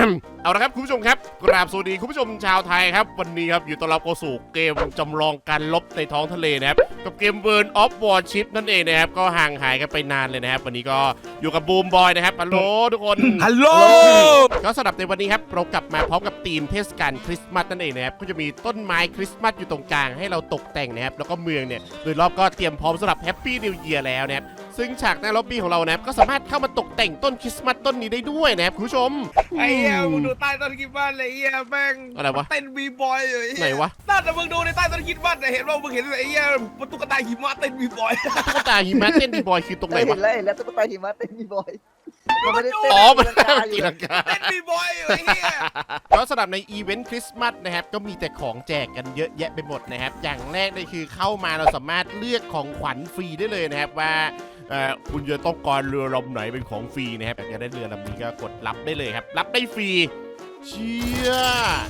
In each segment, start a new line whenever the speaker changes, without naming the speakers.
เอาละครับคุณผู้ชมครับกราบสวัสดีคุณผู้ชมชาวไทยครับวันนี้ครับอยู่ต้อนรับเข้าสู่เกมจำลองการลบในท้องทะเลนะครับกับเกม World of Warship นั่นเองนะครับก็ห่างหายกันไปนานเลยนะครับวันนี้ก็อยู่กับบูมบอยนะครับฮัลโหลทุกคน
ฮัลโหล
ก็สำหรับในวันนี้ครับเรากลับมาพร้อมกับธีมเทศกาลคริสต์มาสนั่นเองนะครับก็จะมีต้นไม้คริสต์มาสอยู่ตรงกลางให้เราตกแต่งนะครับแล้วก็เมืองเนี่ยโดยรอบก็เตรียมพร้อมสำหรับแฮปปี้นิวเยียร์แล้วนะครับซึ่งฉากหน้าล็อบบี้ของเรานะครับก็สามารถเข้ามาตกแต่งต้นคริสต์มาสต้นนี้ได้ด้วยนะครับคุณผู้ชม
ไอ้เหี้ยมึงดูใต้ต้นคริสต์มาสเลยไอ้เหี้ยแม่ง
อะไรวะ
เต้นบีบอยอยู่
ไหนวะ
น่าจะมึงดูในใต้ต้นคริสต์มาสเห็นว่ามึงเห็นไอ้เหี้ยตุ๊กตาหิมะเต้นบีบอย
ตุ๊กตาหิมะเต้นบีบอยคือตรงไหน
เห็
วะ
นแล้วตุ๊กตาหิมะเต้นบีบอยมันไม่ได้เต้น
อ๋อมัน
ตี
ตี
ลั
ลั
ง
ง
กาก
า
เต้นบีบอยอยู่ไอ้เหี้ย
ก็สำหรับในอีเวนต์คริสต์มาสนะครับก็มีแต่ของแจกกันเยอะแยะไปหมดนะครับอย่างแรกเลยคือเข้ามาเราสามารถเลือกของขวัญฟรีได้เลยนะครับว่าคุณจะต้องการเรือลำไหนเป็นของฟรีนะครับอยากจะได้เรือลำนี้ก็กดรับได้เลยครับรับได้ฟรีเชี่ย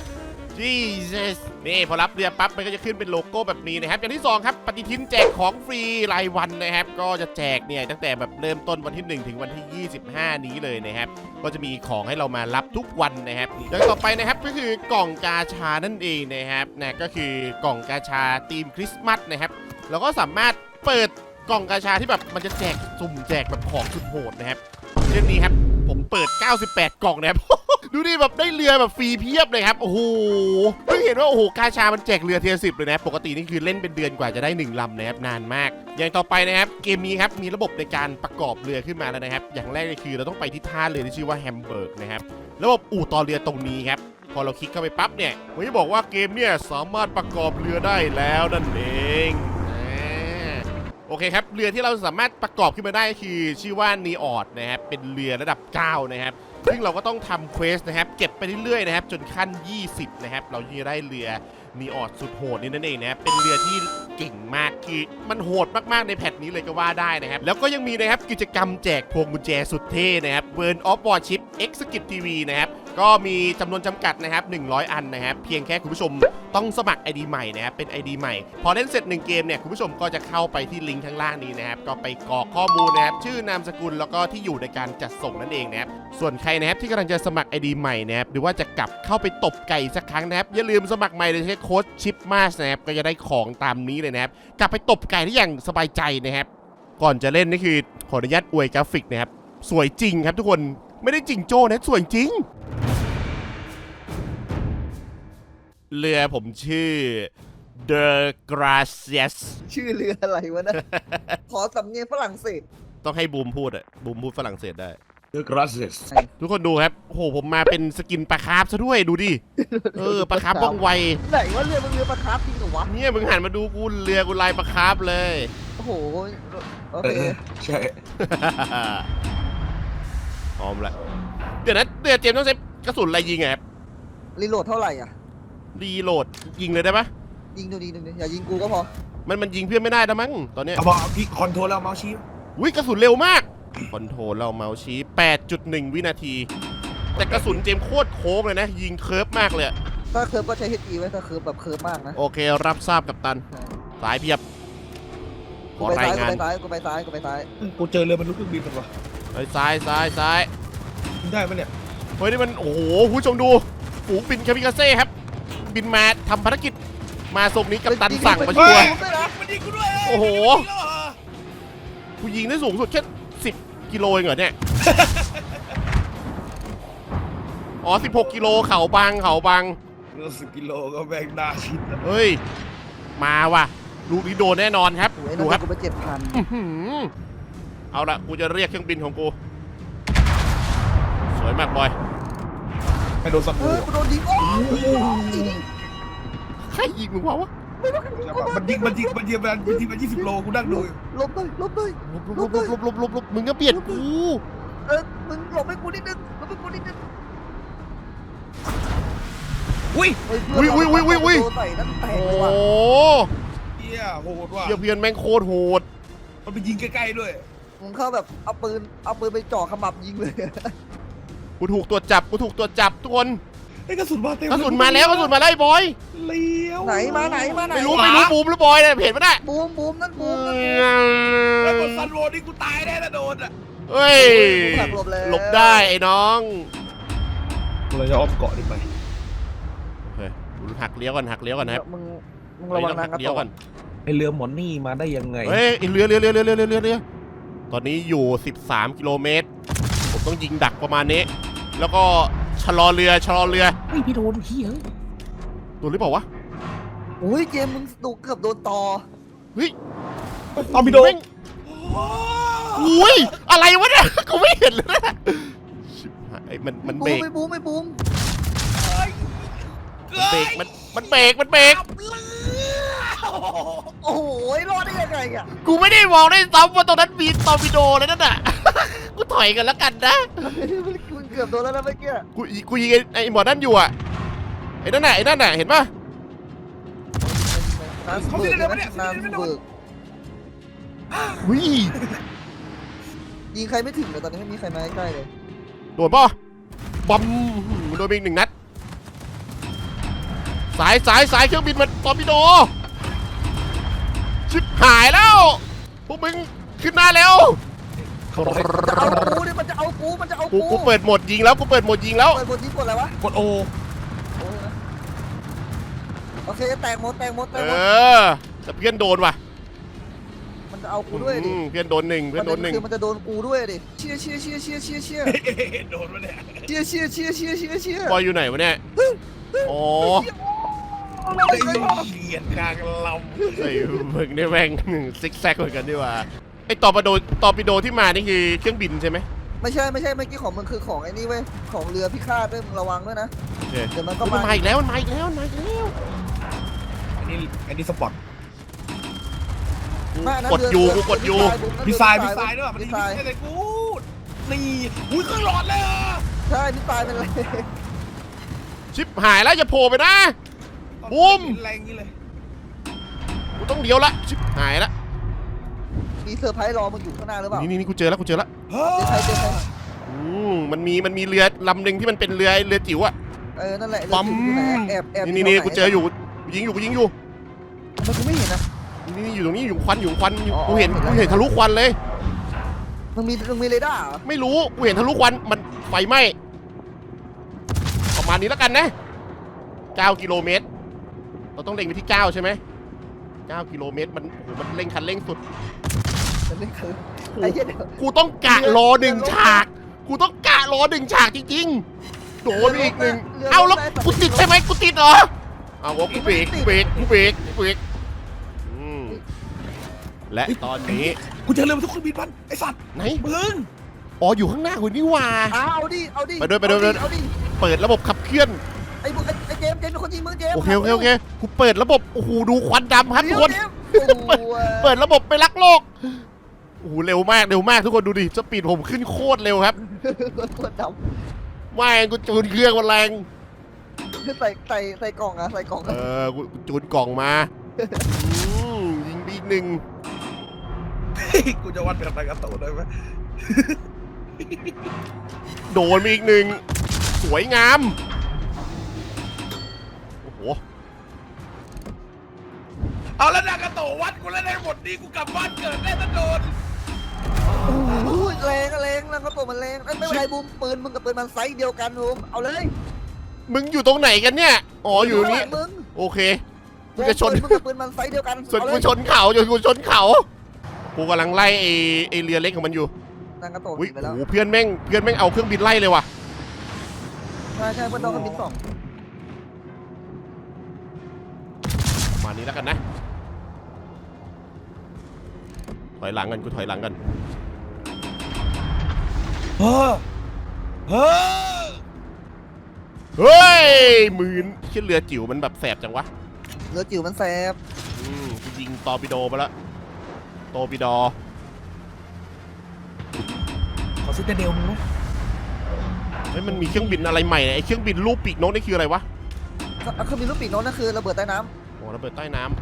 Jesus นี่พอรับเรือปั๊บมันก็จะขึ้นเป็นโลโก้แบบนี้นะครับอย่างที่2ครับปฏิทินแจกของฟรีรายวันนะครับก็จะแจกเนี่ยตั้งแต่แบบเริ่มต้นวันที่1ถึงวันที่25นี้เลยนะครับก็จะมีของให้เรามารับทุกวันนะครับอย่างต่อไปนะครับก็คือกล่องกาชานั่นเองนะครับนะก็คือกล่องกาชาธีมคริสต์มาสนะครับเราก็สามารถเปิดกล่องกาชาที่แบบมันจะแจกสุ่มแจกแบบของสุดโหดนะครับเรื่องนี้ครับผมเปิด98กล่องนะครับ ดูดิแบบได้เรือแบบฟรีเพียบเลยครับโอ้โหเพิ่งเห็นว่าโอ้โหกาชามันแจกเรือเทียร์10เลยนะปกตินี่คือเล่นเป็นเดือนกว่าจะได้1ลำนะครับนานมากอย่างต่อไปนะครับเกมนี้ครับมีระบบในการประกอบเรือขึ้นมาแล้วนะครับอย่างแรกเลยคือเราต้องไปที่ท่าเรือที่ชื่อว่าแฮมเบิร์กนะครับระบบอู่ต่อเรือตรงนี้ครับพอเราคลิกเข้าไปปั๊บเนี่ยมันจะบอกว่าเกมเนี่ยสามารถประกอบเรือได้แล้วนั่นเองโอเคครับเรือที่เราสามารถประกอบขึ้นมาได้คือชื่อว่านีออดนะครับเป็นเรือระดับ9นะครับซึ่งเราก็ต้องทำเควสนะครับเก็บไปเรื่อยๆนะครับจนขั้น20นะครับเราจะได้เรือนีออดสุดโหดนี่นั่นเองนะครับเป็นเรือที่เก่งมากคือมันโหดมากๆในแพทนี้เลยก็ว่าได้นะครับแล้วก็ยังมีนะครับกิจกรรมแจกพวงกุญแจสุดเท่นะครับ World of Warship Executive TV นะครับก็มีจำนวนจำกัดนะครับ100อันนะครับเพียงแค่คุณผู้ชมต้องสมัคร ID ใหม่นะครับเป็น ID ใหม่พอเล่นเสร็จ1เกมเนี่ยคุณผู้ชมก็จะเข้าไปที่ลิงก์ข้างล่างนี้นะครับก็ไปกรอกข้อมูลนะครับชื่อนามสกุลแล้วก็ที่อยู่ในการจัดส่งนั่นเองนะครับส่วนใครนะครับที่กำลังจะสมัคร ID ใหม่นะครับหรือว่าจะกลับเข้าไปตบไก่สักครั้งนะครับอย่าลืมสมัครใหม่โดยใช้โค้ดชิปมาสนะครับก็จะได้ของตามนี้เลยนะครับกลับไปตบไก่ได้อย่างสบายใจนะครับก่อนจะเล่นนี่คือขออนุญาตอวยกราฟิกนะครับสวยจริงครับทุกคนไม่ได้จริงโจ้นะสวยจริงเรือผมชื่อ The Gracias
ชื่อเรืออะไรวะนะขอสำเนียงฝรั่งเศส
ต้องให้บูมพูดอะบูมพูดฝรั่งเศสได้
The Gracias
ทุกคนดูครับโอ้โหผมมาเป็นสกินปลาคาร์ฟซะด้วยดูดิปลาคาร์ฟว่องไว
ไหนว่าเรือมันเรือปลาคาร์ฟจริงเหรอวะ
เนี่ยมึงหันมาดูกูเรือกูลายปลาคาร์ฟเลย
โอ้โหโอเค
ใช่
พร้อมละเดี๋ยวนะเรือเจมส์ต้องใช้กระสุนอะไรยิงอะครับ
รีโหลดเท่าไหร่อ่ะ
รีโหลดยิงเลยได้ปะ
ยิงดูดีดูอย่ายิงกูก็พอ
มันยิงเพื่อนไม่ได้แล้วมั้งตอนเนี้ย
เอาบอกพี่คอนโทรลแล้วเมาส์ชี้
อุ้ยกระสุนเร็วมากคอนโทรลเราเมาส์ชี้ 8.1 วินาที แต่กระสุนเจมส์โคตรโค้งเลยนะยิงเคิร์ฟมากเลย
ถ้าเคิร์ฟก็ใช้ HE ไว้ถ้าเคิร์ฟแบบเคิร์ฟมากนะ
โอเครับทราบกับตันสายเพียบข
กู
อ
ไป
ราย
ซ้าย
งาน
กูไปซ้ายกูไปซ้าย
กูเจอเรือมันลุกเครื่องบินมันวะ
เฮ้ยซ้าย
ได้ไหมเนี่ย
เฮ้ยนี่มันโอ้โหผู้ชมดูฝูงบินคามิกาเซ่ครับบินมาทำภารกิจมาส่งนี้กัปตันสั่งมาชัวร์
มันยิงกูด้วย
โอ้โหกูยิงได้สูงสุดแค่10 กิโลเองเหรอเนี่ย อ๋อ16 กิโลเขาบาง
เรือ10 กิโลก็แบกได้ชิด
เฮ้ยมาว่ะลูกนี้โดนแน่นอนครับ
โอ้ย
ดู
นั่น
ครับ
กูไป7,000
อื้อหือเอาละกูจะเรียกเครื่องบินของกูสวยมากบอย
ไม่โดนสัก
เฮ้ยกูโดนยิงโอ้ย
ใครยิงมึงวะ
มันยิงมัน20 โลกูนั่งดู
ลบเลย
ลบมึงก็เบียดกู
มึงหลบให้กูนิดนึงหลบให้กูนิดนึง
อุ้ย
โดนใส่นั่นแตก
โอ้
เลยว่ะ
เฮียโหดว่ะ
เพื่อนแม่งโคตรโหด
มันไปยิงใกล้ๆด้วย
มึงเข้าแบบเอาปืนไปจ่อขมับยิงเลย
กูถูกตัวจับทุกคน
ไอ้กระสุนมาเต็ม
กระสุนมาแล้วไอ้บอย
เลี้ยว
ไหนมาไหน
ไม่รู้บูมหรือบอยเนี่ยเห็นปะเนี่ย
บูมนั่นบูม
ไอ้บนซันโวนี่กูตายแน่นะโดนอ่ะ
เฮ้ยหลบได้ไอ้น้อง
เราจะอ้อมเกาะดีไป
โอเคหักเลี้ยวก่อนนะครับ
มึงระวัง
ต้อง
นา
หั
ง
ก
กระ
เลี้ยว
โต
ก่อน
ไอเรือหมอนนี่มาได้ยังไง
เฮ้ยเรือตอนนี้อยู่13กิโลเมตรผมต้องยิงดักประมาณนี้แล้วก็ชะลอเรือ
เฮ้ยพี่โดนเฮีย
ตัวหรือเปล่าวะ
อุ้ยเกมมึงดูเกือบโดนต่อ
เฮ้ย
ตอมพี่โดน
อุ้ยอะไรวะเนี่ยกูไม่เห็นเลยนะชิบหายมันเบรก
ไม่บูม
มันเบรก
โอ้โหรอดได้ยังไงอ่ะ
กูไม่ได้มองได้ซ้ำว่าตรงนั้นมีตอร์ปิโดเลยนั่นน่ะ กูถอยกันแล้วกันนะ
มึงเกือบโดนแล้วนะเมื่อกี้
กูยิงไอ้หมอนั่นอยู่อ่ะไอ้นั่นน่ะเห็นปะ
น้ำเบิกน้ำเบิก
วิ
ยิงใครไม่ถึงเลยตอนนี้ไม่มีใครมาใกล้เลย
โดนปะบอมโดนไปอีก1 นัดสายเครื่องบินมันตอร์ปิโดชิบหายแล้วพวกมึงขึ้นหน้าเร็ว
มันจะเอากู
กูเปิดโหมดยิงแล้ว
เปิดบทยิงกดอะไรวะ
กดโอ
โอเคแตกหมด
แต่เพื่อนโดนว่ะ
มันจะเอากูด้วยดิ
เพื่อนโดนหนึ่ง
คือมันจะโดนกูด้วยดิเชี่ย
โดนมาเนี่ย
เชี่ย
บอยอยู่ไหนวะเนี่ยอ๋อ
เขียนกลางล
ไอ้มึงเนี่ยแม่งซิกแซกเหมือนกันดีว่าไอ้ตอร์ปิโดที่มานี่คือเครื่องบินใช่ไหม
ไม่ใช่เมื่อกี้ของมึงคือของไอ้นี่เว้ยของเรือพิฆาตด้วยมึงระวังด้วยนะ
โอเค
เดี๋ยวมันก็
มัน
มา
มาอีกแล้ว
ำอันนี้สปอร์ต
กดอยู่
มีทรายด้วยมันยิงอะไรกูนี่อุ้ยเครื่องหลอดเลยอ่ะ
ใช่พี่ตายเป็นไร
ชิปหายแล้วอย่าโผล่ไปนะบูม
แรงนี้เลย
กูต้องเลี้ยวละชิปหายละ
มีเซอร์ไพรส์รอมึงอยู่ข้างหน้าหรือเปล่า
นี่กูเจอแล้ว
เจอใคร
มันมีเรือลำหนึ่งที่มันเป็นเรือจิ๋วอะ
นั่นแหละ
ปั๊ม
แอบ
นี่กูเจออยู่กูยิงอยู่
ทำไมกูไม่เห็นนะ
นี่อยู่ตรงนี้อยู่ควันกูเห็นทะลุควันเลย
มึงมีเรดาร์เหรอ
ไม่รู้กูเห็นทะลุควันมันไฟไหม้ประมาณนี้แล้วกันนะ9 กิโลเมตรเราต้องเล็งไปที่9ใช่ไหม9 กิโลเมตรมันเล็งคันเร่งสุด
มันไม่คือไอ้เหี้ยเดี๋ยว
กูต้องกะรอ1 ฉากจริงๆโดนไปอีกหนึ่งเอาแล้วกูติดใช่ไหมกูติดเหรอเอากูเบรกและตอนนี้
กูเจอเรือทุกเครื่องบินมันไอสัตว์
ไหน
มึง
อ๋ออยู่ข้างหน้าคุณนี่ว่า
เอาดิ
ไปด้วยเปิดระบบขับเคลื่อน
ไอ้เจมส์เป็นคนยิงมึงเจมส์
โอเคกูเปิดระบบโอ้โหดูควันดำครับทุกคน เปิดระบบไปรักโลกโอ้โหเร็วมากทุกคนดูดิสปีดผมขึ้นโคตรเร็วครับ
คนด
ไม่กูจูนเครื่องมันแรง
ำใส่กล่องอะใส่กล่อง
กูจูนกล่องมายิงไปอีกหนึ่ง
กูจะวัดแบบไหนกับตัวได้ไหม
โดนไปอีกหนึ่งสวยงามโอ้โห
เอาแล้วนากาโตวัดกูแล้วได้หมดนี่กูกลับบ้านเกิดได้ตะโดน
แรงแล้วก็ตัวมันแรงไม่เป็นไรบูมปืนมึงกับปืนมันไซส์เดียวกันบูมเอาเลย
มึงอยู่ตรงไหนกันเนี่ยอ๋ออยู่ตรงนี้
มึง
โอเคกูจะชน
มึงกับปืนมันไซส์เดียวกัน
กูชนเขากูกำลังไล่ไอเรือเล็กของมันอยู่
นางกระโต
อุ้ย
ไปแล้ว
โอ้โหเพื่อนแม่งเอาเครื่องบินไล่เลยว่ะ
ใช่เพื่อนน้องเครื่องบิน2
ประมาณนี้แล้วกันนะถอยหลังกันกูถอยหลังกัน
เฮ้อ
เฮ้ยมืนขึ้นเรือจิ๋วมันแบบแสบจังวะ
เรือจิ๋วมันแสบ
กูยิงตอร์ปิโดไปแล้วตอร์ปิโด
ขอซิตาเดลมึงนะ
เฮ้ยมันมีเครื่องบินอะไรใหม่เนี่ยไอเครื่องบินรูปปีกนกนี่คืออะไรวะ
เครื่องบินลูกปีกโน้นนั่นคือระเบิดใต้น้
โอ้ระเบิดใต้น้ำ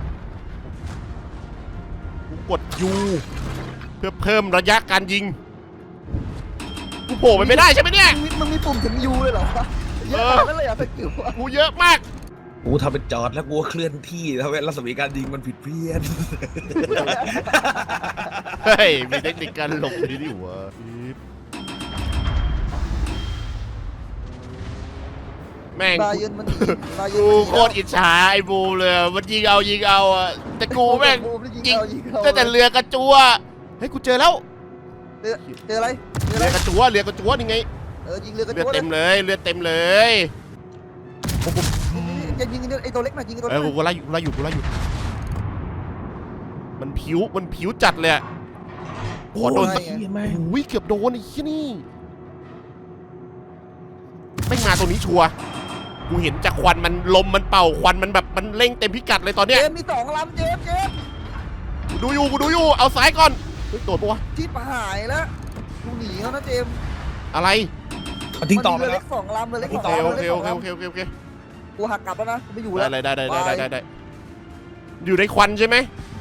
กูกดยูเพื่อเพิ่มระยะการยิงกูโผล่ไปไม่ได้ใช่ไหมเนี่ย
ำมึงมีปุ่มถึงยูเลยเหรอเยอะขนาดนั้นเลยอ่ะสกิลอะ
กูเยอะมาก
กูทำเป็นจอดแล้วกูเคลื่อนที่ทำให้รัศมีการยิงมันผิดเพี้ยน
เฮ้ยมีเทคนิคการหลบดีดิวะแม่ง
บาเยิร์นมันบาเยิ
กู
ร์น
โคตรอิจฉาไอ้บูมเลยมันยิงเอาอ่ะแต่กูแม่งยิง
เอา
แต่เรือกระจัวเฮ้ยกูเจอแล้ว
เจออะไรเจออะ
เรื
ไร
อกระจัวนี่ไง
ยิงเรือกระ
เลือด
โจน
เต็มเลยเลือดเต็มเลย
จะยิงไอ้ตัวเล็กหน่อยยิงไอ้ตัว
เอ
เล็
อก กูไล่อยู่มันผิวจัดเลยอะขอโดนสัก
เหี้ยแม่ง
อุ้ยเกือบโดนไอ้ที่นี่ไม่งมาตรงนี้ชัวร์กูเห็นจากควันมันลมมันเป่าควันมันแบบมันเร่งเต็มพิกัดเลยตอน
เจ
เนี้ย
มมี2 ลำเจม
กูดูอยู่เอาซ้ายก่อนเฮ้ยโดดปะวะ
ที่หายแล้วกูหนีแล้วนะเจม
อะไร
มันทิ้งต่อไป
เรือ
แล้
เล็
ว
ก2 ลำเรือเล็ก
โอ
2
เค
ลำ
โอ
เรือ
เค
เล็ก
โอ
2
เค
ล
โอเคโอเค
ำกูหักกลับแล้วนะกูไม่อยู่แล้ว
ได้อยู่ในควันใช่ไหม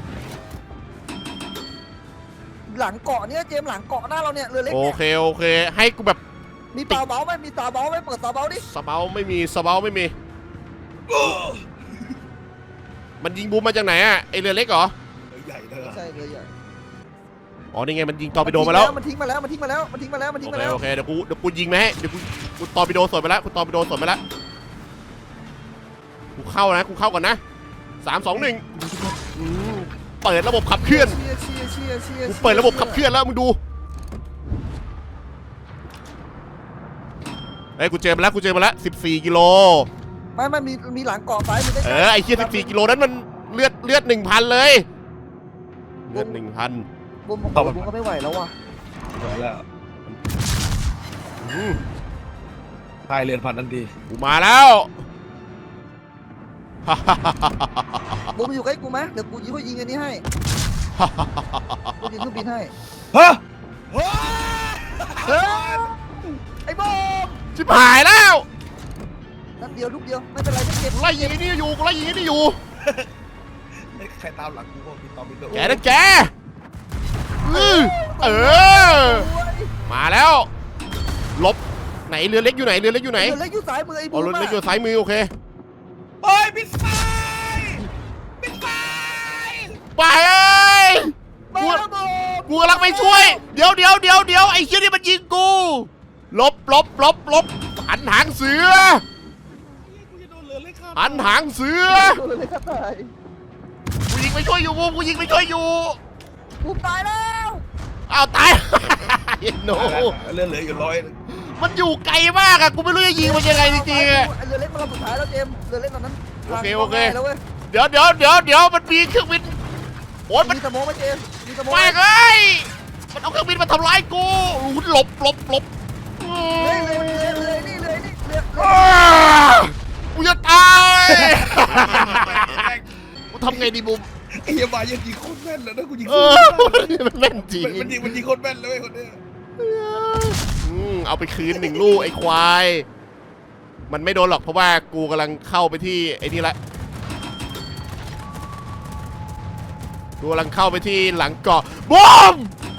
หลังเกาะเนี่ยเจมหลังเกาะหน้าเราเนี่ยเรือเล็ก
โอ
เนี่ย
เคให้กูแบบ
มีตาเบาไหมมีตาเบาไหมเปิดตาเบาดิ
สเปาไม่มีมันยิงบูมมาจากไหนอะไอเรือเล็กเหรอ
ใหญ่เลย
ใช่เรือใหญ่
อ๋อนี่ไงมันยิงตอร์ปิโดมาแล้ว
มันทิ้งมาแล้วโอ
โอเคเดี๋ยวกูยิงไหมเดี๋ยวกูตอร์ปิโดสวนไปแล้วกูเข้าก่อนนะ3 2 1เปิดระบบขับเคลื่อนกูเปิดระบบขับเคลื่อนแล้วมึงดูเฮ้ยกูเจอมาแล้ว14 กิโล
ไม่มีหลังเกาะซ้ายมีได้
ไอ้เหี้ย14 กิโลนั้นมันเลือด 1,000 เลยเลือด 1,000
บุ้มก็ไม่ไหวแล้วว่ะ
แล้วพายเรือนพันทันที
กูมาแล้ว
บุ้มอยู่ใกล้กูไหมเดี๋ยวกูยิงอันนี้ให้กูยิงเครื่องบินให้
ฮะ
ไอ้บุ้ม
ชิบหายแล้ว
นัดเดียวลูกเดียวไม่เป็นไรจะเก็บ
กูไล่ยิงไอ้นี่อยู่
ใครตามหลังกูก็มีตอมมีตัว
แกนะแกมาแล้วลบไหนเรือเล็กอยู่ไหน
เรือเล็กอยู่ซ้ายมือไอ้
อ๋
บุ้
อ
ม
เรือเล็กอยู่ซ้ายมือโอเค
เฮ้ยปิดไฟ
ไปเอ้ย
มาแล้วบุ้ม
กูกำลังไปช่วย เดี๋ยวไอ้เชี่ยนี่มันยิงกูลบหันหางเสือ
กูจะโดนเรือเล็กข้าม
หันหางเสือ
เรือเล็กตาย
กูยิงไปช่วยอยู่บูมกูยิงไปช่วยอยู่
บุ้มตายแล้ว
อ้าวตาย โน
เรือเหลืออยู่100
มันอยู่ไกลมากอะกูไม่รู้จะยิงมันยังไงจริงๆอะ
เรือเล็กมันลำสุดท้ายแล้วเจมเรือเล็กตอนนั้น
โอเค
แล้วเว้ย
เดี๋ยวมันมีเครื่องบินโอ๊ยมัน
มีสมองไหมเจมมีสมอง
แม่งเอ้ยมันเอาเครื่องบินมาทำร้ายกูหลบอ้าวกูจะตายกูทำไงดีบุม
ไอ้เหี้ยบายังยิงโคตรแม่นเลยนะกูยิง
มันแม่นจริง
มันยิงโคตรแม่นเลยคนเนี้ย
เอาไปคืน1 ลูกไอ้ควายมันไม่โดนหรอกเพราะว่ากูกำลังเข้าไปที่ไอ้นี่ละกูกำลังเข้าไปที่หลังเกาะบูม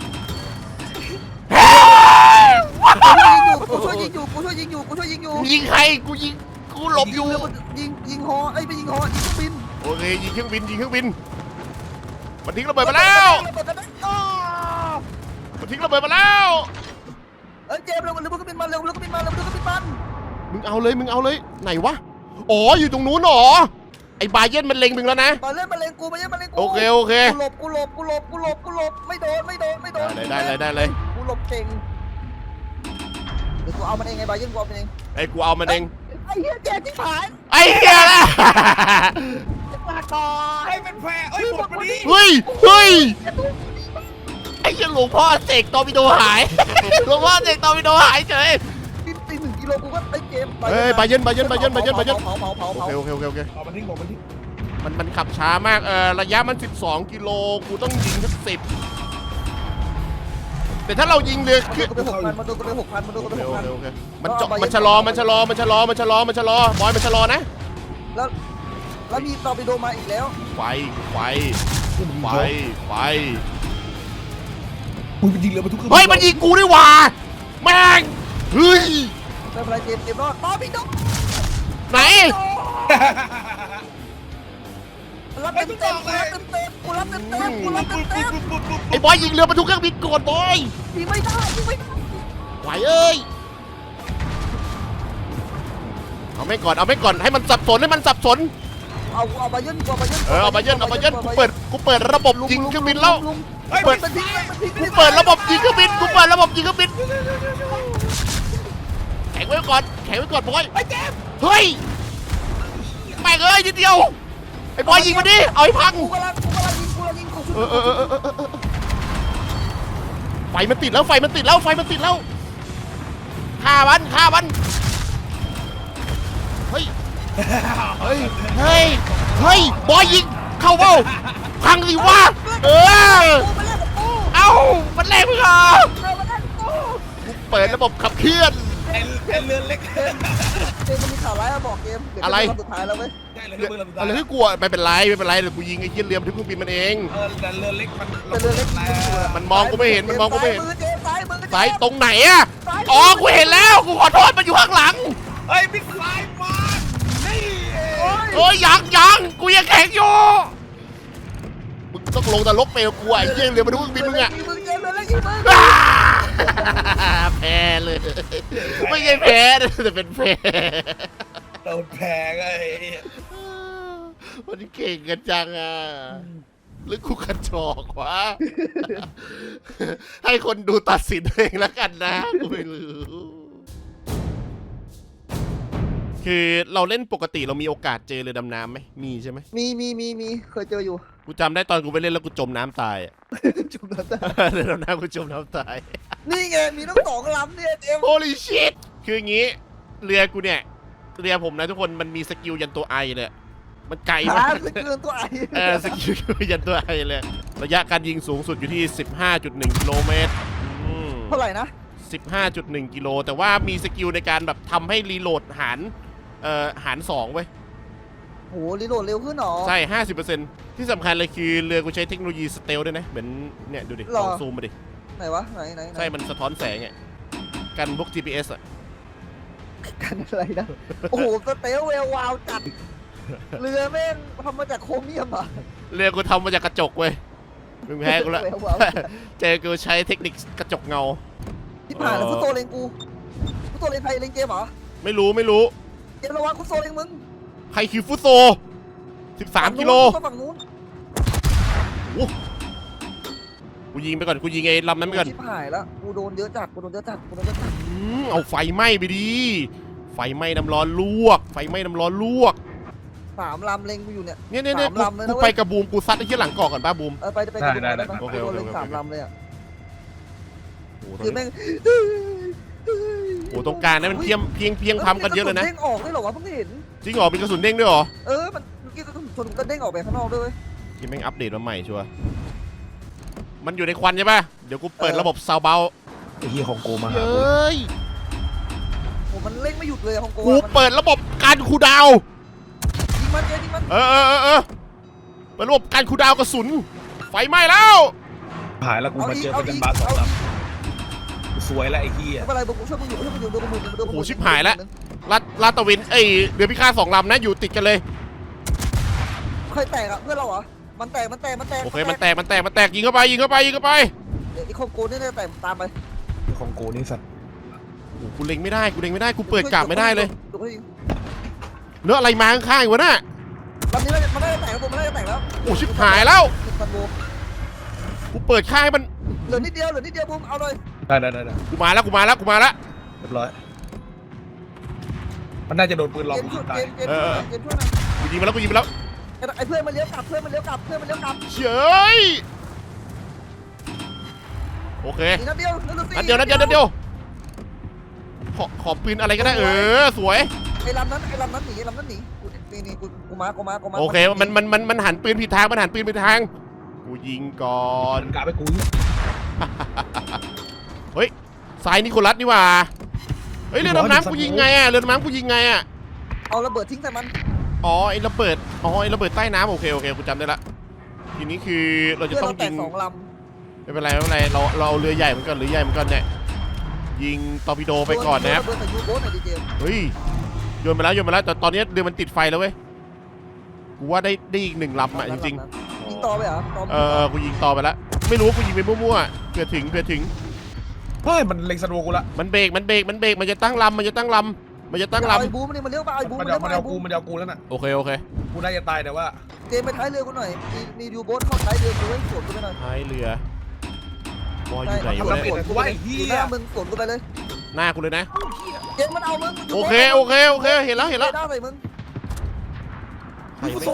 กูช่วยยิงอยู่
ยิงใครกูยิงกูหลบอยู่
ยิงฮอไอ้ไปยิงฮอยิงเครื่องบิน
โอเคยิงเครื่องบินมันทิ้งระเบิดมาแล้วมันทิ้งระเบิดมาแล้ว
เจมส์เร็วเครื่องบินมาเร็วเครื่องบินมัน
มึงเอาเลยไหนวะอ๋ออยู่ตรงนู้นหรอไอ้บาเยนมันเล็งมึงแล้วนะ
มาเล่นมาเลงกู
โอเค
กูหลบไม่โดน
ได้เลย
กูหลบเก่งเดี๋ยวกูเอามันเองไงบาเย็นกูเอามันเอง
ไอ้กูเอามันเอง
ไอ้เหี้ยแกที่ผาย
ไอ้เหี้ยละ
มาก่อน
ไอ้เป็นแพ้เอ้ยหมดพอดี
เฮ้ยไอ้เหี้ยหลวงพ่อเสกตอร์ปิโดหายหลวงพ่อเสกตอร์ปิโดหายเฉย
ตี1 กิโลกูก็ไอ้เกม
เฮ้ยบาเยน
เผา
โอเค
บอกมันทิ้ง
มันขับช้ามากระยะมัน12 กิโลกูต้องยิงสัก10แต่ถ้าเรายิงเรือขึ้น
มันโดนกูไป6,000มันโดนกูไป6,000
โอเคมันชะลอบอยมันชะลอนะ
แล้วมีตอร์ปิโดมาอีกแล้ว
ไฟ
มึงไปยิงเรือมาทุก
เฮ้ยมันยิงกูด้วยว่ะแม่งเฮ้ย
ไม่เป็นไรเจมรอดตอร์ปิโด
ไหน
รับเต็มกูรับเต็ม
ไอ้บอยยิงเรือมาทุกเครื่องบินก่อนบอย
ยิงไม่ได้
ไหวเอ้ยเอาไม่ก่อนให้มันสับสน
เอามายื่น
เอามาเยินกูเปิดระบบยิงเครื่องบินแล้ว
เฮ้ย
เปิด
มันทิ้ง
กูเปิดระบบยิงเครื่องบินแข็งไว้ก่อนบอย
ไอ้เจม
เฮ้ยแม่งเอ้ยนิดเดียวไอ้บอยยิงมาดิเอาให้พัง
กูกำลังยิงกู
ไฟมันติดแล้วฆ่ามันเฮ้ยบอยยิงเข้าเบ้าพังสิวะเออ
กูมาเล่นกับกู
เอ้ามันแรงมึงเหรอ
มาเล่นกับกู
กูเปิดระบบขับเคลื่อน
ไอ้เรือเล็ก
เกมมันมีข่าวร้ายมาบอกเกมเดี๋ยว
อะไร
สุดท้ายแล้วเว้ย
ใช่เรือเล็ก
อะไรที่กลัวไม่เป็นไรเดี๋ยวกูยิงไอ้เหี้ยเรือมันที่เครื่องบินมันเอง
แต่เรือเล็กมัน
แต่เรือเล็ก
มันมองกูไม่เห็น
ซ้ายมือเจมซ้ายมือ
สายตรงไหนอะอ๋อกูเห็นแล้วกูขอโทษมันอยู่ข้างหลัง
เฮ้ยบิ๊กไลน์มานี่
โอ้ยยังกูยังแข็งอยู่มึงต้องลงนรกไปกับกูไอ้เหี้ยเรือมันที่เครื่องบินมึงอะ
มึงเจมเรือเล็กยิงมึง
แพ้เลยไม่ใช่แพ้แต่เป็นแพ้
โดนแพงไอ้
มันเก่งกันจังอ่ะหรือกูกระจอกวะ ให้คนดูตัดสินเองแล้วกันนะกูไม่รู้คือเราเล่นปกติเรามีโอกาสเจอเรือดำน้ำไหมมีใช่ไหม
มีเคยเจออยู่
กูจำได้ตอนกูไปเล่นแล้วกูจมน้ำตายอ่ะ
จุดนั้น
เรือดำน้ำกูจมน้ำตาย
นี่ไงมีทั้ง2 ลำเนี่ยเจม
Holy shit คืออย่างงี้เรือกูเนี่ยเรือผมนะทุกคนมันมีสกิลยันตัวไอเลยมันไกลมาก
สกิลตัวไอ
สกิลยันตัวไอเลยระยะการยิงสูงสุดอยู่ที่ 15.1 กิโลเมตร
เท่าไหร่นะ
15.1 กิโลแต่ว่ามีสกิลในการแบบทำให้รีโหลดหาร2เว้ย
โหรีโหลดเร็วขึ้นหรอ
ใช่ 50% ที่สำคัญเลยคือเรือกูใช้เทคโนโลยีสเตลด้วยนะเหมือนเนี่ยดูดิลองซูมมาดิ
ไหนวะไหน
ใช่มันสะท้อนแสงอ่ะกันพวก GPS อ่ะ
กันอะไรนะโอ้โหสเตลเวลวาวจัดเรือแม่งทำมาจากโครเมียมอ่ะ
เรือกูทำมาจากกระจกเว้ยมึงแพ้กูละ
เวลวาว
เจอกูใช้เทคนิคกระจกเงา
ที่ผ่านแล้วฟุตโตเลงกูฟุตโตเลงใครเลงเกมเหรอ
ไม่รู้
เกมระวังฟุตโตเลงมึง
ใครคือฟุตโซ 13 กิโล
ฝั่งนู้น
กูยิงไปก่อนกูยิงไอ้ลำนั้นไปก่อน
ชิบหายแล้วกูโดนเยอะจัด
เอาไฟไหม้ไปดิไฟไหม้น้ำร้อนลวก
3 ลำเลงกูอยู่เนี่ย
เนี่ย
สามลำเลยนะ
กู
เว้ย
ไปกับบูมกูซัดไอ้ที่หลังเกาะก่อนป้าบูม
ไปกูโดนเลง3 ลำเลยอ่ะ
โอ้โห
คือแม่ง
โอ้ตรงกลางนั้นมันเพียงพำกันเยอะเลยนะ
เด้งออกได้หรอวะเพิ่งเห็น
จริงเหรอมีกระสุนเด้งด้วยเหรอ
มันเมื่อกี้กระสุนชนก็เด้งออกไปข้างนอกด้วย
ที่แม่งอัปเดตมาใหม่ชัวร์มันอยู่ในควันใช่ป่ะเดี๋ยวกูเปิดระบบซาวเบา
ไอ้เหี้ยของกูมา
เฮ้ย
โอ้มันเล่งไม่หยุดเลยของโก
กูเปิดระบบการคูลดาวน์
ยิงมันยิงมัน
เปิดระบบการคูลดาวน์กระสุนไฟไหม้แล้ว
หายแล้วกูมาเจอเป็นบาส2 ลำสวยแล้วไอ้เหี้ย
ไม่เป็นไรบุกช่วยมึงอยู่โดนมือ
โอ้โหชิบหายแล้วลาดตะวินเรือพิฆาต2 ลำนะอยู่ติดกันเลย
เคยแตกอ่ะเพื่อนเราเหรอมันแตก
โอเคมันแตกยิงเข้าไปเดี๋ยว
ไอ้ของโกนี่แตกตามไป
ของกูนี่สัตว์
โอ้โหกูเล็งไม่ได้กูเปิดกลับไม่ได้เลย
ดูเขายิง
เนื้ออะไรมาข้างๆวะน่ะ
ลำนี้มันได้แตกแล้วมันได้แตกแล้ว
โอ้ชิบหายแล้ว
10,000 โว
กูเปิดค่ายมัน
เหลือนิดเดียวบุ้มเอาเลย
ได้
กูมาแล้ว
เรียบร้อยมันน่าจะโดนปืนลอง
เกม
ยิ
ช่ว
ง
ย
ตาย
เกมช่วยหน่อย
กูยิงมาแล้ว
ไอ้เพื่อนมันเลี้ยวกลับ
เฉยโอเค
อีกนัดเดียว
นัดเดียวขอปืนอะไรก็ได้สวย
ไอ้ลำนั้นหนีนี่กูมา
โอเคมันหันปืนผิดทางกูยิงก่อน
กะไปกู
เฮ้ยสายนิโคลัสนี่หว่าเฮ้ยเรือดำน้ำกูยิงไงอ่ะ
เอาระเบิดทิ้งใส่มัน
อ๋อไอ้ระเบิดใต้น้ำโอเคกูจำได้ละทีนี้คือเราจะต้องยิง
2 ลำ
ไม่เป็นไรเราเอาเรือใหญ่เหมือนกันเนี่ยยิงตอร์ปิโดไปก่อนนะครับ
เบิร์ดใส่ยูโบ๊ทหน่อยดิเจม
เฮ้ยโยนไปแล้วแต่ตอนนี้เรือมันติดไฟแล้วเว้ยกูว่าได้อีก1 ลำอ่ะจริง
ยิงต่อไปเหรอ
กูยิงต่อไปแล้วไม่รู้กูยิงไปมั่วๆเพื่อถึง
เฮ้ยมันเล็งสโนว์กูละ
มันเบรกมันจะตั้งลำมันจะตั้ง
เอาไอ้
ลำ
บูมนี่มันเลี้ยวมาไอ้บูม
มัน
เลี้ยว
เอา
มาไอ้บูม
มันเอากูแล้วน่ะ
โอเค
กูน่าจะตายแต่ว่า
เจมไปท้ายเรือกูหน่อยมียูโบ๊ทเข้าท้ายเรือกูให้สวนกูไปหน่อย
ท้ายเรือวออยู่ไหน
ทำ
วะ
ระ
เนี่ย
เบิดกูว่าไอ้เหี้
อยู่ห
ย
น้ามึงสวนกูไปเลย
หน้ากูเลยนะ
เจมมันเอามึง
โอเคเห็นแล้ว
ได้ใส่มึง
ใคร
กู
ไม่
โซ่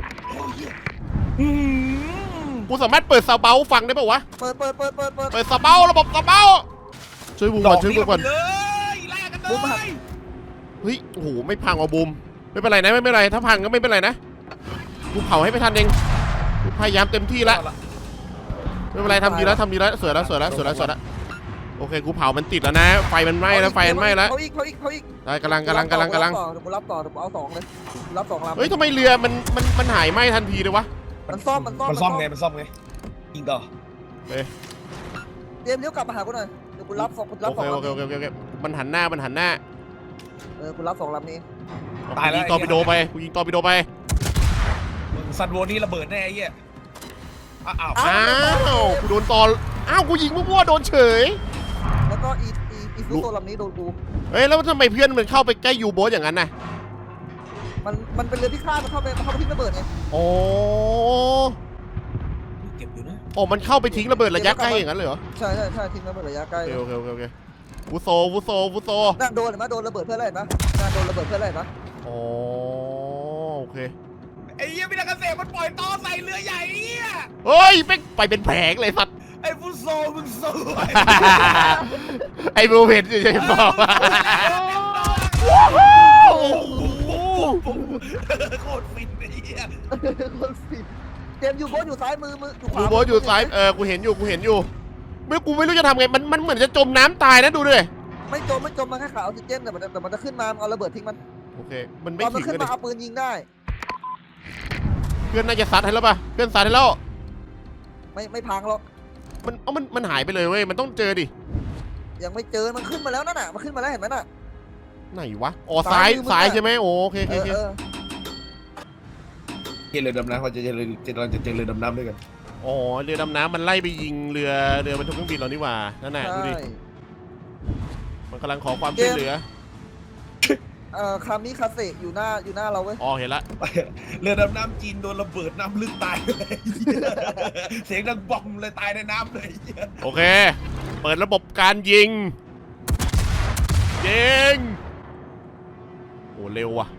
กูสามารถเปิดซาเบาฟังได้ป่าวะ
เปิด
เปิดซาเบาระบบซาเบาช่วยบูมก่อนช่วยบูมก่อน
เลยแลกกันเลย
เฮ้ยโอ้โหไม่พังว่ะบูมไม่เป็นไรนะไม่เป็นไรถ้าพังก็ไม่เป็นไรนะกูเผาให้ไม่ทันเองกูพยายามเต็มที่แล้วไม่เป็นไรทำดีแล้วสวยแล้วโอเคกูเผามันติดแล้วนะไฟมันไหม้แล้ว
เขาอีก
ได้กำลัง
เดี๋ยวกูรับต่อเดี๋ยวกูเอา2เลยรับ2ลำ
เฮ้ยทำไมเรือมันหายไหม้ทันทีเลยวะ
มันซ่อม
มันซ่อมไงยิงต่อ
เตรียมเลี้ยวกลับมาหากูหน่อยเดี๋ยวกูรับ2ลำ
โอเคมันหันหน้า
กูรับ2ลำนี้
กูยิงตอร์ปิโดไป
ซันโวนี่ระเบิดแน่ไอ้เหี้ยอ้าว
อ้าวกูโดนตออ้าวกูยิงมั่วๆโดนเฉย
แล้วก็อีซูโซลำนี้โดนกู
เฮ้ยแล้วทำไมเพื่อนมันเข้าไปใกล้ยูโบ๊ทอย่างนั้นน่ะ
มันเป็นเรือพิฆาตมันเข้าไปทิ้งระเบิดไง
โอ้
เก็บอยู่นะ
โอ้มันเข้าไปทิ้งระเบิดระยะใกล้อย่างนั้นเลยเหรอ
ใช่ทิ้งระเบิดระยะใกล้
โอเคฟูโซ
น่าโดนเห็นไหมโดนระเบิดเพื่ออะไรนะน่าโดนระเบิดเพื่ออะไรนะ
โอ้โอเค
ไอ้เหี้ยพี่นักเกษตรมันปล่อยต่อใส่เรือใหญ่ไอ้เหี้ย
เฮ้ยไปเป็นแผงเลยสัตว์
ไอ้ฟุตโซมึงสวย
ไอ้บูเพนจะบอก
โคตรฟินไอ้เหี้ย
คนฟินเจมยูโบ๊ทอยู่ซ้ายมืออยู่ขวา
ยูโบ๊ทอยู่ซ้ายกูเห็นอยู่ไม่กูไม่รู้จะทำไงมันเหมือนจะจมน้ำตายนะดูดิ
ไม่จมมันแค่ขาออกซิเจนแต่มันจะขึ้นมาเอาระเบิดทิ้งมัน
โอเคมันไม่
ตอนมั
ถึ
น
ง
ขึ้น
เลย
มาเอาปืนยิงได้
เพื่อนน่าจะซัดให้แล้วป่ะเพื่อนซัดให้แล้ว
ไม่พังหรอก
มันหายไปเลยเว้ยมันต้องเจอดิ
ยังไม่เจอมันขึ้นมาแล้วนั่นน่ะมันขึ้นมาแล้วเห็นไหมน่ะ
ไหนวะอ๋อซ้ายใช่ไหมโอเค
เออ
เรือดำน้ำเขาจะเจอเรือดำน้ำด้วยกัน
อ๋อเรือดำน้ำมันไล่ไปยิงเรือบรรทุกเครื่องบินเรานี่หว่านั่นน่ะดูดิมันกำลังขอความช่วยเหลือ
คามิคาเซอยู่หน้าเราเว้ย
อ๋อเห็นละ
เรือดำน้ำจีนโดนระเบิดน้ำลึกตายเลยเสียงดังบอมเลยตายในน้ำเลย
โอเคเปิดระบบการยิงโอ้เร็วว่ะ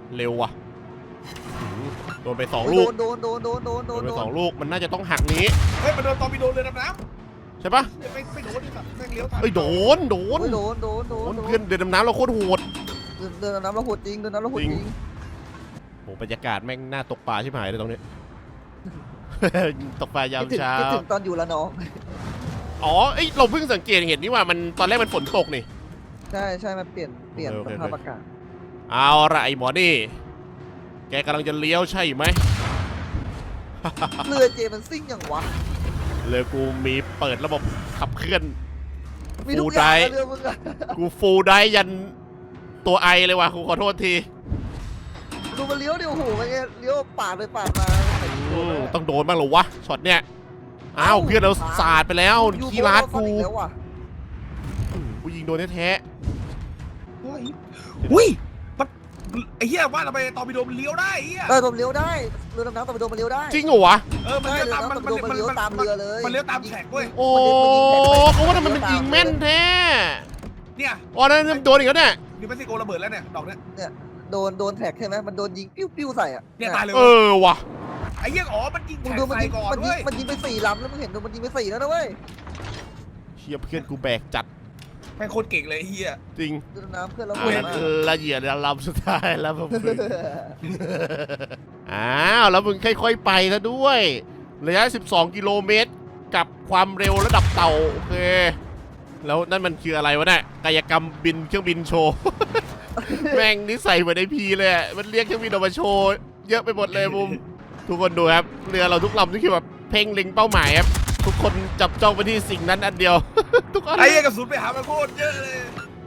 โดนไป2 ลูก
โดน
ไป2 ลูกมันน่าจะต้องหักนี้
เฮ้ยมันโดนตอร์ปิโดเรือดำน้
ใช่ปะ
ำไม่โดนดิแบบแม่งเลี้ยวทัน
เอ้ยโดน เพื่อนเรือดำน้ำเราโคตรโหด
เดินน้ำเราโหดจริง
โอ้บรรยากาศแม่งน่าตกปลาชิบหายเลยตรงนี้ ตกปลายามเช้า
คิดถึงตอนอยู่ละน้อง
อ๋อเอ้ยเราเพิ่งสังเกตเห็นนี่ว่ามันตอนแรกมันฝนตกนี่
ใช่มันเปลี่ยนสภาพอากาศ
เอาละไอ้หมอนี่แกกำลังจะเลี้ยวใช่ไหม
เรือเจมันซิ่งอย่างวะ
เลยกูมีเปิดระบบขับเคลื่อน
มีทุกอย่างเรือมึงอะ
กูฟูลได้ยันตัวไอเลยว่ะกูขอโทษที
ดูมันเลี้ยวดิโอ้โหมันเลี้ยวปาดเลยปาดมา
ต้องโดนบ้างเหรอวะช็อตเนี้ยอ้าวเพื่อนเราสาดไปแล้วขี้ร้านกูยิงโดนแท้
อุ้ยไอ้เหี้ยว่าทำไมตอร์ปิโดมันเลี้ยวได้ไอ้เหี้ย
ผมเลี้ยวได้เรือดำน้ำตะวันตกมันเลี้ยวได้
จริงเหรอวะ
มันเลี้ยวตามมัน
เลี้ยวตามเรือเลย
มันเลี้ยวตามแฉกเว้ย
โอ้เขาว่าทำไมมันยิงแม่นแท้
เนี่ย
อ๋อนั่นโดนอีกแล้วเนี่ย
นิวเม็กซิโกระเบิดแล้วเนี่ยดอกเนี้ย
โดนแท็กใช่ไหมมันโดนยิงปิ้วใส่อ่ะ
เนี่ยตายเลย
ว่ะ
ไอ้เหี้ยมันยิง
มึง
แฉก
ดูมัน
ใส่
ยิง
ก่อนเว้ย
มันยิงไป4 ลำแล้วมึงเห็นดูมันยิงไป4แล้วนะเว้ย
เชียเพื่อนกูแบกจัด
แม่งโคตรเก่งเลยไอ้เหี้ย
จริง
เรือดำน้ำเพื่อนเรา
ละเอียดลำสุดท้ายแล้วผมอ้าวแล้วมึงค่อยๆไปซะด้วยระยะ12 กิโลเมตรกับความเร็วระดับเต่าโอเคแล้วนั่นมันคืออะไรวะเนี่ยกายกรรมบินเครื่องบินโชว์ แม่งนิสัยเหมือนไอพีเลยมันเรียกเครื่องบินออกมาโชว์เยอะไปหมดเลยมุมทุกคนดูครับเรือเราทุกลำนี่คือแบบเพ่งเล็งเป้าหมายครับทุกคนจับจ้องไปที่สิ่งนั้นอันเดียว ทุกคน
ไอ้เหี้ยกระสุนไปหามันโคตรเยอะเลย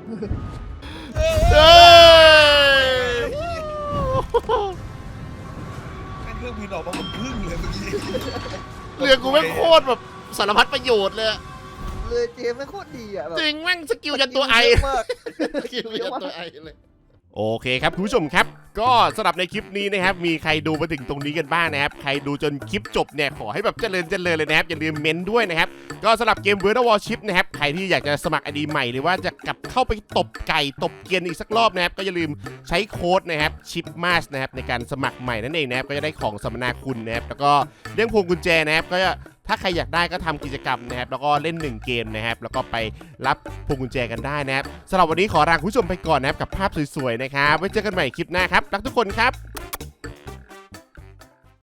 แม่งเครื่องบินออกมาเหมือนพึ่งเลยเมื่อกี้
เรือกูแม่งโคตรแบบสารพัดประโยชน์เลย
เรือเจไม่โคตรดีอ่ะ
จริงแม่งสกิลยันตัวไอ
มาก
สกิลยันตัวไอเลยโอเคครับคุณผู้ชมครับก็สำหรับในคลิปนี้นะครับมีใครดูมาถึงตรงนี้กันบ้างนะครับใครดูจนคลิปจบเนี่ยขอให้แบบเจริญเลยนะครับอย่าลืมเม้นด้วยนะครับก็สำหรับเกม World of Warship นะครับใครที่อยากจะสมัคร ID ใหม่หรือว่าจะกลับเข้าไปตบไก่ตบเกียนอีกสักรอบนะครับก็อย่าลืมใช้โค้ดนะครับ CHIPMAS นะครับในการสมัครใหม่นั่นเองนะครับก็จะได้ของสัมมนาคุณนะครับแล้วก็เรื่องพวงกุญแจนะครับก็ถ้าใครอยากได้ก็ทำกิจกรรมนะครับแล้วก็เล่น1เกมนะครับแล้วก็ไปรับพวงกุญแจกันได้นะครับสำหรับวันนี้ขอลาคุณผู้ชมไปก่อนนะครับกับภาพสวยๆนะครับไว้เจอกันใหม่คลิปหน้าครับรักทุกคนครับ